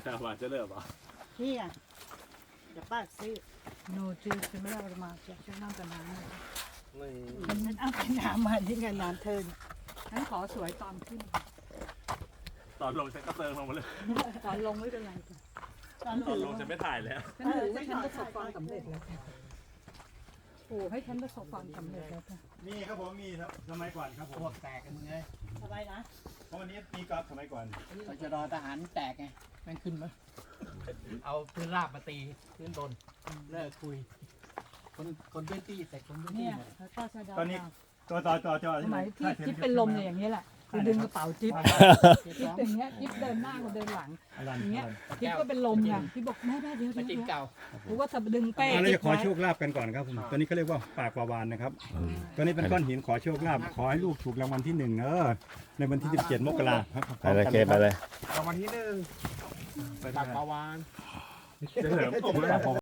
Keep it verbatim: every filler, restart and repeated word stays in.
ข้าวหวานจะเลิกเหรอนี่อ่ะเดี๋ยวป้าซื้อโนจืดคือไม่ได้เอามาจากช่วยน้ำกับน้ำนะคะไม่มันนั้นเอาไปน้ำมาที่งานน้ำเทินฉันขอสวยตอนขึ้นตอนลงฉันก็เติมลงมาเลยตอนลงไม่เป็นไรจ้ะตอนตอนถือลงฉันไม่ถ่ายแล้วฉันถือว่าฉันประสบความสำเร็จแล้วจ้ะโอ้ให้ฉันประสบความสำเร็จแล้วจ้ะมีครับผมมีครับสมัยก่อนครับผมพวกแตกกันมึงไงสบายนะเพราะวันนี้มีกอล์ฟสมัยก่อนเราจะรอทหารแตกไงแม่งขึ้นมาเอาพื้นราบมาตีพื้นบนเลิกคุย คนคนพื้นที่แต่คนพื้นที่เนี่ยหมดแล้วก็ชะดาตอนนี้ตัวต่อต่อจอสมัยที่จิ๊บเป็นลมเนี่ยอย่างนี้แหละคือดึงกระเป๋าจิ๊บจิ๊บอย่างเงี้ยจิ๊บเดินหน้ากับเดินหลังอย่างเงี้ยจิ๊บก็เป็นลมไงจิ๊บบอกแม่แม่เดี๋ยวมาเดี๋ยวจิ้มเดี๋ยวเก่ากูก็จะดึงเป้เราจิ๊จะบขอไว้โชคลาภกันก่อนครับผมตัวนี้เขาเรียกว่าปากปลาวานนะครับตัวนี้เป็นก้อนหินขอโชคลาภขอให้ลูกถูกรางวัลที่หนึ่งเออในวันที่สิบเจ็ดมกราครับไปเลยเกไปเลยรางวัลที่หนึ่งปากปลาวานจะเหลิมผมเลย